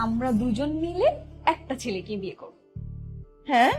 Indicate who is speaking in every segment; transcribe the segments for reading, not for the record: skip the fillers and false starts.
Speaker 1: আমরা দুজন মিলে একটা ছেলেকে বিয়ে করব।
Speaker 2: হ্যাঁ,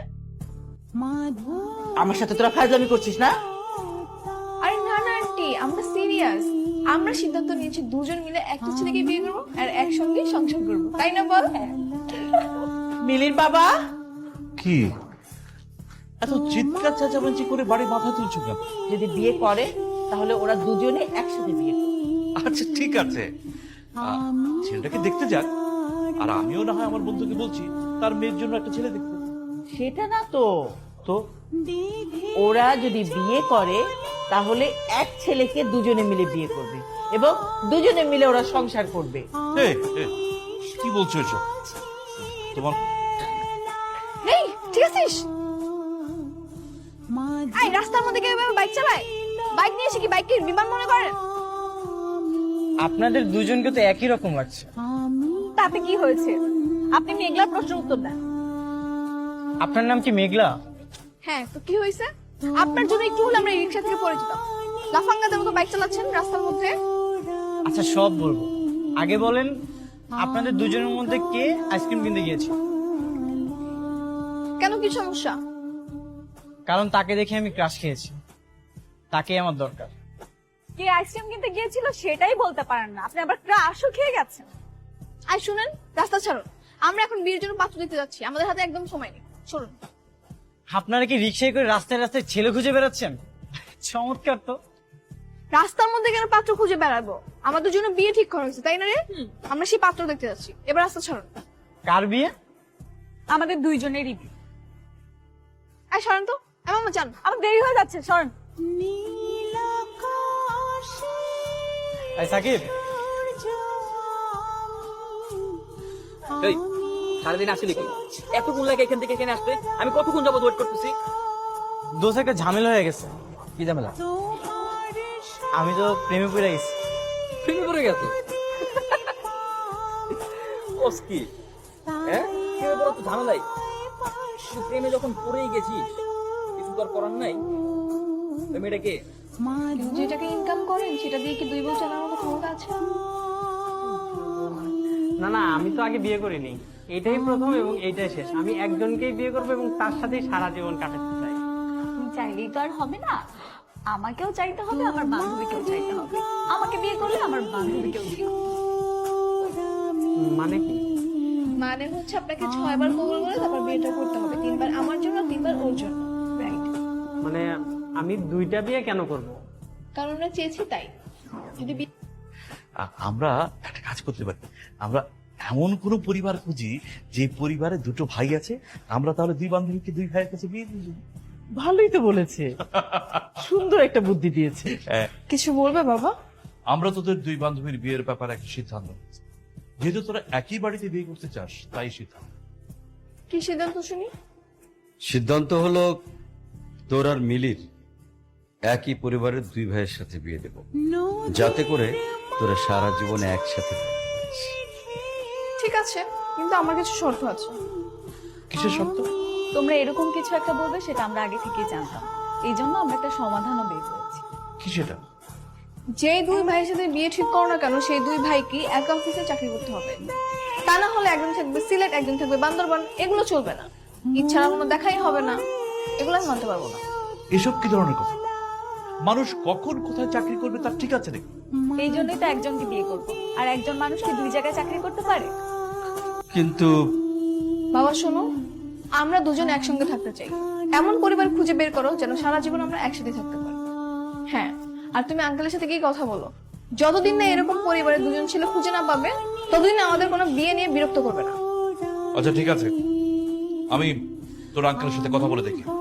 Speaker 2: আমার সাথে তোরা ফাজলামি করছিস না?
Speaker 1: আরে না না আন্টি, আমরা সিরিয়াস। আমরা সিদ্ধান্ত নিয়েছি দুজন মিলে একটা ছেলেকে বিয়ে করব আর একসঙ্গে সংসার করব, তাই না বল?
Speaker 2: মিলির বাবা,
Speaker 3: কি এত চিৎকার চেঁচামেচি করে বাড়ি মাথা তুলছো কেন?
Speaker 2: যদি বিয়ে করে তাহলে ওরা দুজনে একসাথে বিয়ে করবে।
Speaker 3: আচ্ছা ঠিক আছে, ছেলেটাকে দেখতে যাক, আর আমিও না হয় আমার বন্ধুকে বলছি তার মেয়ের জন্য একটা ছেলে দেখতে।
Speaker 2: সেটা না তো,
Speaker 3: তো
Speaker 2: ওরা যদি বিয়ে করে তাহলে এক ছেলেকে দুজনে মিলে বিয়ে করবে এবং দুজনে মিলে ওরা সংসার করবে।
Speaker 3: এই, এই, কি বলছো এসব? তোমার
Speaker 1: এই ঠিক আছিস? এই রাস্তার মধ্যে কেউ এভাবে বাইক চালায়? বাইক নিয়ে এসে কি বাইককে বিমান মনে করেন?
Speaker 4: আপনাদের দুজনকে তো একই রকম লাগছে।
Speaker 1: তাতে কি হয়েছে? আপনি মেঘলার প্রশ্নের উত্তর দেন।
Speaker 4: আপনার নাম কি মেঘলা?
Speaker 1: হ্যাঁ, তো কি হয়েছে? আপনার জন্য একটু হলে আমরা রিক্সা থেকে পড়ে যেতাম। লাফাঙ্গাদের মতো বাইক চালাচ্ছেন রাস্তার মধ্যে।
Speaker 4: আচ্ছা সব বলবো, আগে বলেন আপনাদের দুজনের মধ্যে কে আইসক্রিম কিনতে গিয়েছে?
Speaker 1: কেন, কি সমস্যা?
Speaker 4: কারণ তাকে দেখে আমি ক্রাশ খেয়েছি, তাকেই আমার দরকার।
Speaker 1: কে আইসক্রিম কিনতে গিয়েছিল সেটাই বলতে পারেন না, আপনি আবার ক্রাশও খেয়ে গেছেন। আর শুনেন, রাস্তা ছাড়ুন, আমরা এখন বিয়ের জন্য পাত্র দিতে যাচ্ছি, আমাদের হাতে একদম সময় নেই। চলুন।
Speaker 4: আপনারা কি রিক্সায় করে রাস্তায় রাস্তায় ছেলে খুঁজে বেড়াচ্ছেন? চমৎকার তো।
Speaker 1: রাস্তার মধ্যে কেন পাত্র খুঁজে বেড়াবো? আমাদের জন্য বিয়ে ঠিক করা হয়েছে, তাই না রে? আমরা সেই পাত্র দেখতে যাচ্ছি, এবার রাস্তা ছাড়ুন।
Speaker 4: কার বিয়ে?
Speaker 1: আমাদের দুইজনেরই বিয়ে। আর সরেন তো, আমার জান, আমার দেরি হয়ে যাচ্ছে, সরেন।
Speaker 4: এই সাকিব,
Speaker 5: এই সারাদিন আসলে কি এতক্ষণ লাগে এখান থেকে এখানে আসতে? আমি কতক্ষণ যাবত ওয়েট করতেছি।
Speaker 4: দোষ একটা ঝামেলা হয়ে গেছে।
Speaker 5: কি ঝামেলা?
Speaker 4: আমি তো প্রেমে পড়ে গেছি।
Speaker 5: প্রেমে পড়ে গেছো? ওস কি হ্যাঁ, প্রেমে পড়া তো ঝামেলাই। তুই প্রেমে যখন পড়েই গেছিস, কিছু তো আর করার নাই। ওই মেয়েটা কে?
Speaker 1: যেটাকে ইনকাম করেন সেটা দিয়ে কি 2 বছর চালানোর মতো ক্ষমতা আছে?
Speaker 4: না না, আমি তো আগে বিয়ে করিনি, এটাই প্রথম এবং এইটাই শেষ। আমি একজনকেই বিয়ে করবো এবং তার সাথেই সারা জীবন কাটাতে চাই।
Speaker 1: তুমি চাইলেই তো আর হবে না, আমাকেও চাইতে হবে, আমার বান্ধবীকেও চাইতে হবে। আমাকে বিয়ে করলে আমার বান্ধবীকেও বিয়ে করতে হবে।
Speaker 4: মানে কি?
Speaker 1: মানে হচ্ছে আপনাকে 6 বার কবুল বলে তারপর বিয়েটা করতে হবে, 3 বার আমার জন্য, 3 বার ওর জন্য। রাইট?
Speaker 4: মানে আমি 2টা বিয়ে কেন করব?
Speaker 1: কারণ আমরা চেয়েছি তাই। যদি
Speaker 3: আমরা একটা কাজ করতে পারি, আমরা এমন কোন পরিবার খুঁজি যে পরিবারে দুটো ভাই আছে, আমরা তাহলে 2 বান্ধবীকে 2 ভাইয়ের কাছে বিয়ে দিয়ে দেব।
Speaker 2: ভালোই তো বলেছে, সুন্দর একটা বুদ্ধি দিয়েছে।
Speaker 1: কিছু বলবে বাবা?
Speaker 3: আমরা তোদের 2 বান্ধবীর বিয়ের ব্যাপারে একটা সিদ্ধান্ত নিয়েছি। যেহেতু তোরা একই বাড়িতে বিয়ে করতে চাস, তাই সিদ্ধান্ত।
Speaker 1: কি সিদ্ধান্ত শুনি?
Speaker 6: সিদ্ধান্ত হলো তোর আর মিলির একই পরিবারের 2 ভাইয়ের সাথে বিয়ে দেব, যাতে করে তোরা সারা জীবনে একসাথে থাকিস।
Speaker 1: ঠিক আছে, কিন্তু আমার কিছু শর্ত আছে।
Speaker 3: কিসের শর্ত?
Speaker 1: তোমরা এরকম কিছু একটা বলবে সেটা আমরা আগে থেকেই জানতাম, এই জন্য আমরা একটা সমাধানও বের করেছি।
Speaker 3: কি সেটা?
Speaker 1: যেই 2 ভাইয়ের সাথে বিয়ে ঠিক করো না কেন, সেই 2 ভাইকে এক অফিসে চাকরি করতে হবে। তা না হলে একজন থাকবে সিলেট, একজন থাকবে বান্দরবান, এগুলো চলবে না। ইচ্ছার কোনো দেখাই হবে না, এগুলো আমি মানতে পারবো না।
Speaker 3: এসব কি ধরনের কথা? মানুষ কখন কোথায় চাকরি করবে তার ঠিক আছে নাকি?
Speaker 1: এই জন্যই তো একজনকে বিয়ে করবো, আর একজন মানুষ কি 2 জায়গায় চাকরি করতে পারে?
Speaker 6: কিন্তু
Speaker 1: বাবা শোনো, আমরা দুজন একসঙ্গে থাকতে চাই, এমন পরিবার খুঁজে বের করো যেন সারা জীবন আমরা একসাথে থাকতে পারি। হ্যাঁ, আর তুমি আঙ্কেলের সাথে গিয়ে কথা বলো, যতদিন না এরকম পরিবারে 2জন ছেলে খুঁজে না পাবে ততদিন আমাদের কোনো বিয়ে নিয়ে বিরক্ত করবে না।
Speaker 3: আচ্ছা ঠিক আছে, আমি তোর আঙ্কেলের সাথে কথা বলে দেখি।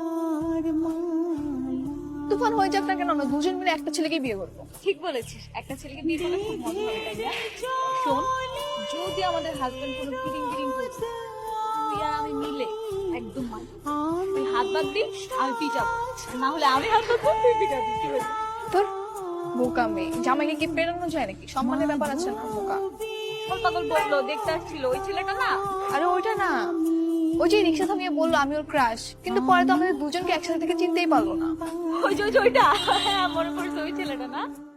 Speaker 1: তুফান হয়ে যাক না কেন, আমরা 2জন মিলে একটা ছেলেকে বিয়ে করবো। ঠিক বলেছিস, একটা ছেলেকে বিয়ে করলে খুব মজা হবে, তাই না? শোন, যদি আমাদের হাজবেন্ড কোনো ফিটিং করছে, তুই আর আমি মিলে একদম তুই হাত বাদ দিই, আমি পিটাবো, না হলে আমি হাত বাদ দিই, তুই পিটাবি। কি হয়েছে তোর? বোকা মেয়ে, জামাইকে কি পেরানো যায় নাকি? সম্মানের ব্যাপার আছে না? বোকা পাগল বললো দেখতে আসছিল, ওই ছেলেটা না? আরে ওইটা না, ওই যে রিক্সা থামিয়ে বললো আমি ওর ক্রাশ, কিন্তু পরে তো আমাদের দুজনকে একসাথে থেকে চিনতেই পারলো না। ওই যে ওইটা, হ্যাঁ মনে পড়ছে, ওই ছেলেটা না?